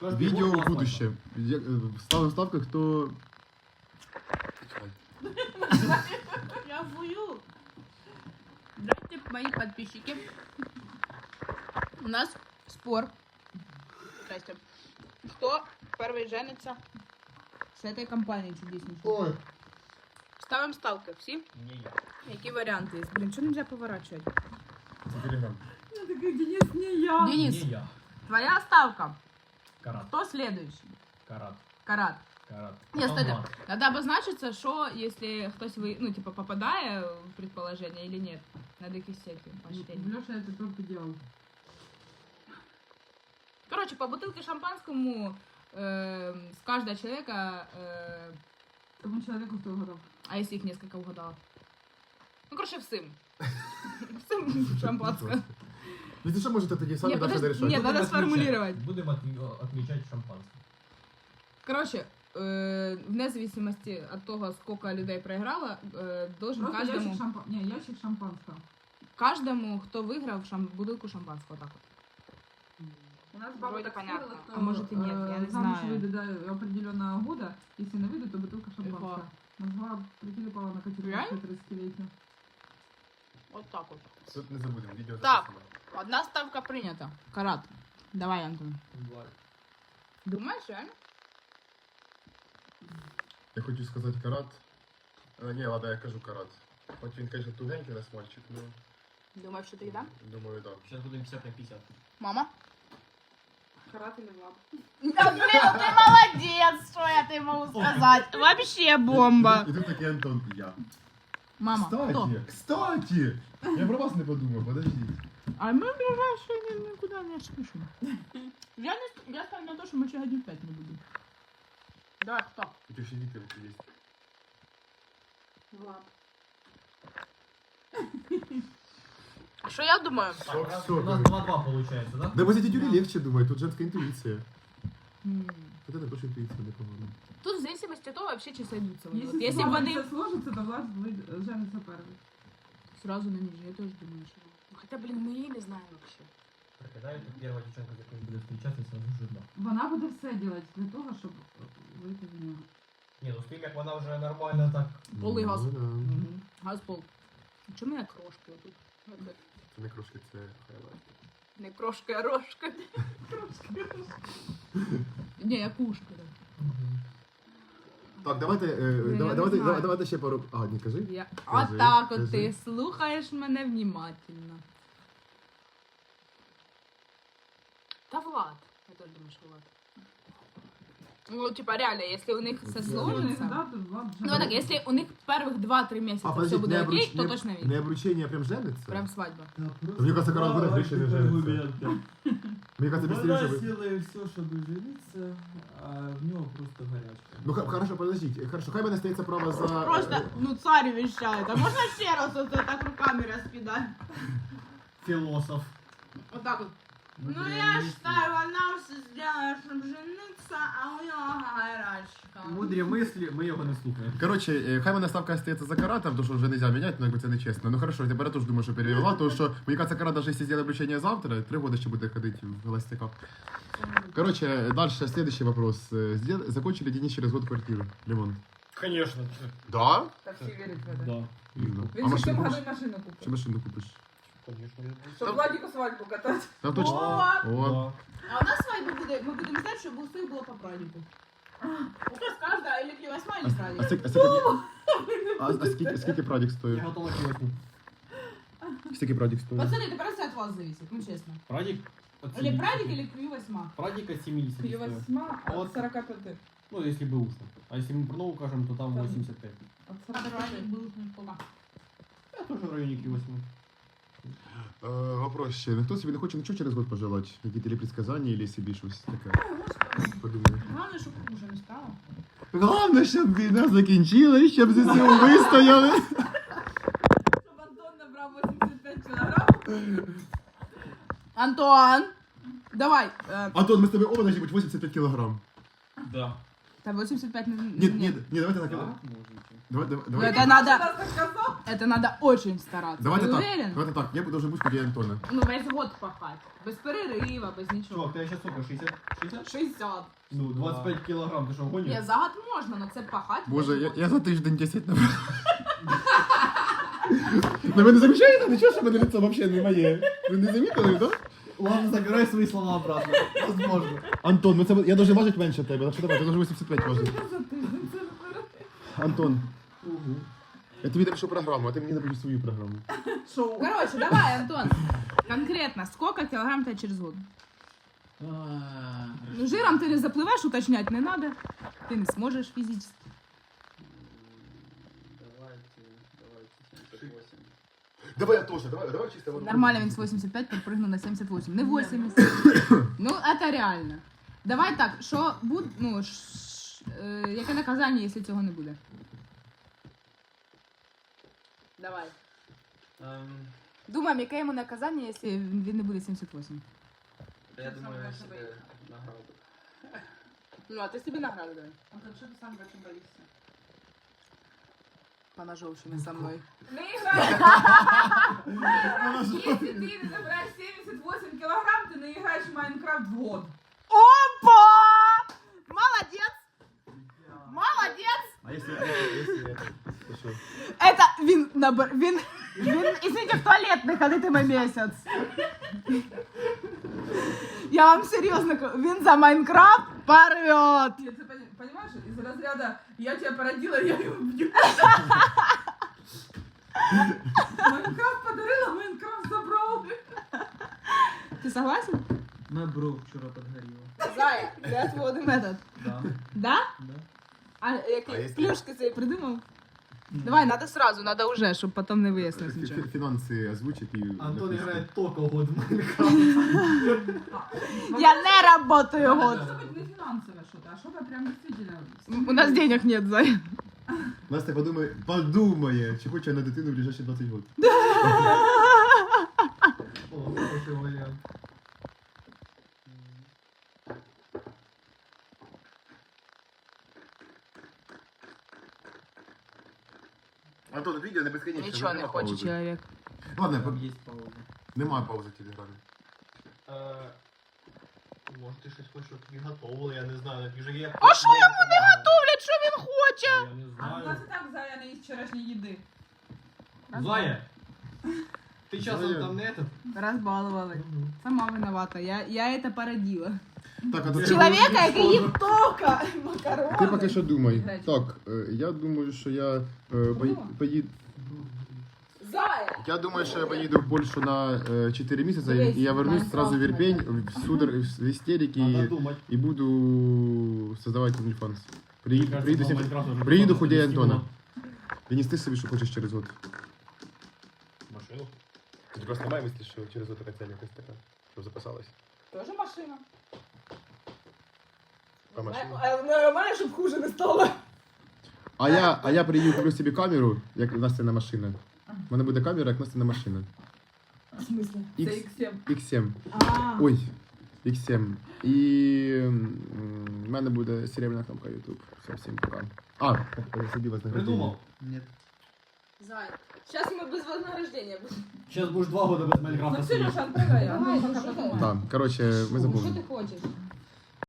Видео в будущем. Ставим ставку, кто... Я вую. Здравствуйте, мои подписчики. У нас спор. Здрасте. Кто первый женится с этой компанией чудеснейшей? Ой. Ставим ставки. Всі? Не я. Які варіанти є? Блін, чого нельзя поворачивать? Телеграм. Я такая, Денис, не я. Денис, Не я. твоя ставка. Карат. Кто следующий? Карат. Карат. Карат. Нет, Потом кстати, Влад. надо обозначиться, что если хтось ну, типа, попадає в предположение или нет. Надо якісь эти поощрения. Леша это только делал. Короче, по бутылке шампанскому с каждого человека, Тому человеку, кто угадал. а если их несколько угадала? Ну, короче, всем. Всем шампанское. Если что, можете тоді самі Ні, дальше подожди, решать. ні, надо Будем сформулировать. Будем отмечать шампанское. Короче, вне зависимости от того, сколько людей проиграло, должен Просто каждому, ящик шампанского. Не, ящик шампанского. каждому, кто выиграл, бутылку шампанского. Так вот. У нас Вроде так понятно. сделала, что, А может и нет, я не замуж знаю. выйдут до определенного года. Если не выйдут, то бутылка шампанского. Могла прикрепала на Реально? категорию 30-летия. Вот так вот. Тут не забудемо, відео Так. записано. Одна ставка принята. Карат. Давай, Антон. Думаешь, реально? Я хочу сказати карат. Ні, ладно, я кажу карат. Хоч він, конечно, тугенький нас мальчик, ну, Думаешь, что ты да? думаю, да. Сейчас будем 50 на 50. Мама? Карат или Влад? Да, блин, ты молодец, что я тебе могу сказать. Вообще бомба. І тут такий Антон, і я. Мама, кто? Кстати! Я про вас не подумав, подождіть. А мы в ближайшие никуда не спешим. Я ставлю на то, что мы еще один 5 не будем. Давай, кто? Тут ще діти є. Влад. А что я думаю? Так, у нас всё, 2-2 получается, да? Да, бо дядюлі легче думає, тут женська інтуїція. Вот это тоже интуиция, непогано. Тут в зависимости от того, вообще чи сойдутся. вони. Если, Вот если бы они... сложится, то Влад женится первый. Сразу на ниже, я тоже думаю, что... Хотя, блин, мы и не знаем вообще. Так, когда это первая девчонка, за которой будет встречаться, сразу жирно. Вона буде все делать для того, щоб вийти з нього. Не, ну с тем, как она уже нормально так. Полий газ. Ну, да. Газ пол. Чому я крошки тут? Це не крошки, це хайлайт. Не крошка, а рожка. Не, я кушка. Так, давайте, не давайте, знаю. давайте ще пару... А, не кажи. Я... Кажи, Отак от кажи. ти слухаєш мене внимательно. Та Влад. Я теж думаю, що Влад. Ну, типа, реально, если у них все сложится... Ну, так, если у них первых 2-3 месяца А, все подожди, будет окей, то точно видно. Не обручение, а прям жениться? Прям свадьба. Мне кажется, Карл будет быстрее не жениться. Мне кажется, быстрее, Вона чтобы... сіла все, щоб жениться, а в нього просто гарячка. Ну, хорошо, подождите. Хорошо, хай мене стається право за... Просто, ну, царь вещает. А можно ще раз вот так руками распидать? Философ. Вот так вот. Ну, я считаю, она все сделала, чтобы жениться, а у него горячка. Мудрі мислі, ми його не слухаємо. Короче, хай мене ставка остається за Карата, потому что уже нельзя менять, но це нечесно. Ну хорошо, тепер я теж думаю, що перевела, тому що, мені кажется, Карат, даже если сделать обручение завтра, 3 года ще буде ходити в холостяках. Короче, дальше, следующий вопрос. Закончили Денис через год квартиру? Ремонт. Конечно. Да? Так всі вірять в це. Да. А машину купиш? машину Чи купив. машину купиш? Конечно. Щоб Владіку свадьбу катати. Там точно. О. А у нас свадьба будет, мы будем знать, чтобы у всех было по празднику. У нас каждая или 8 или праздник. Скільки прадік Я стоїть? готова к восьму. Скільки прадік стоїть? Пацаны, это просто от вас зависит, ну честно. Прадик от Или 70. праздник, или Q8. Прадик от 70 стоит. 8, а От- от 45. Ну, если бы ушло. А если мы про новую кажем, то там Там. 85. От А праздник 45. был сколько? Я тоже в районе Q8. Вопрос ще. Ніхто собі не хоче нічого через год пожелати? Які телепредсказання, або собі щось таке? Подумаю. Главное, чтобы хуже не стало. Головне, щоб війна закінчилась, щоб ЗСУ вистояли. Щоб Антон набрав 85 кілограм. Антон, давай. Антон, ми з тобою оба должны бути 85 кілограм. Да. Та 85 не... Ні, давайте так. Давайте. Это надо... Раз так сказав. Это надо очень стараться. Давайте Ты так. уверен? Давайте так. Я должен бути біля Антона. Ну, весь год пахать. Без перерыва, без ничего. Чувак, ты сейчас сколько, 60? 60? 60. Ну, 25 килограмм, ты что, гонишь? Ні, за год можна, но це пахать. Боже, весь год. я за тиждень 10 набрав. Ну ви не замічаєте? Нічого, що мене лицо взагалі не моє. Ви не замітили, так? Ладно, забирай свои слова обратно. Возможно. Антон, ну це я должен важити менше тебе. Так що давай, ти должен 85 важити. Антон, я тобі напишу програму, а ти мені напишеш свою програму. Шоу. Короче, давай, Антон. Конкретно, сколько килограмм ты через год? Ну, жиром ты не заплываешь, уточнять не надо. Ты не сможешь физически. Давай я теж, давай чисто. Нормально, він з 85 підпрыгнув на 78. Не 80. Ну, это реально. Давай так, що буде, ну, яке наказання, якщо цього не буде? Давай. Думаємо, яке йому наказання, якщо він не буде 78? Я думаю, я себе награду. Ну, а ти собі награду дай. Антон, що ти сам бачиш боїшся? Поножовщина со мною. Не играй! Если ты не набираешь 78 килограмм, ты не играешь в Майнкрафт в год. Опа! Молодец! Молодец! А если это? То що? Это він, извините, в туалет не ходитиме місяць. Я вам серйозно кажу, він за Майнкрафт порвет. Ты понимаешь, из разряда «я тебя породила, я ее убью». Майнкрафт подарила, Майнкрафт забрал. Ти согласен? Моя бровь вчера подгорела. Зая, я твій один метод. Да. Да? Да. А які якщо- плюшки собі придумав? Давай, надо сразу, надо уже, щоб потом не вияснилось нічого. Фінанси озвучить і... Антон играет только год в Майнкрафт. Я не работаю Надо год. быть не финансовое что-то, а что-то прям действительно... У нас денег нет, Зая. Настя подумає, чи хоче на дитину в ближайші 20 років. О, хороший вариант. Антон, відео не безконечно. Нічого не нема хоче паузи. чоловік. Ладно, Там есть пауза. немає паузи в телеграмі. Може ти щось хочеш, щоб тобі готовили, я не знаю. Вже є... А що йому не готовлять? Що він хоче? Я не А у нас знаю. и так Зая не из вчерашней еды. Зая! Ты часом Зая. там не этот? Розбалували. Сама виновата. Я это породила. Так, а то Чоловіка, який їв тільки макарони. Ти поки що думай. Гречка. Так, я думаю, що я поїду. Зая! Я думаю, що я поїду в Польщу на 4 місяці, Дивись, і я вернусь сразу в Майнкрафт Ірпень, в судор, в істерики, Надо думать. і буду создавати OnlyFans. Приїду, Кажется, Майнкрафт уже приїду потом худей завести Антона. его. І нести собі, що хочеш через год. Машину? Ти просто немає мислі, що через год така ціль якась така, щоб записалась. Тоже машина. По машині. Нормально, щоб хуже не стало. А я приїду, куплю собі камеру, як Настяна машина. У мене буде камера, як Настяна машина. В смысле? X, CX7. X7. А, Ой, X7. І в мене буде серебряна кнопка YouTube. Все, всім пока. А, сиді вас Придумал? Нет. Зая. Сейчас мы без вознаграждения будем. Сейчас будешь 2 года без Ну, Майнкрафта Сережа, сидеть. отпрыгай. Давай, Антон, ну, пока что ты? подумает. Так, короче, ми Что забули. ты хочешь?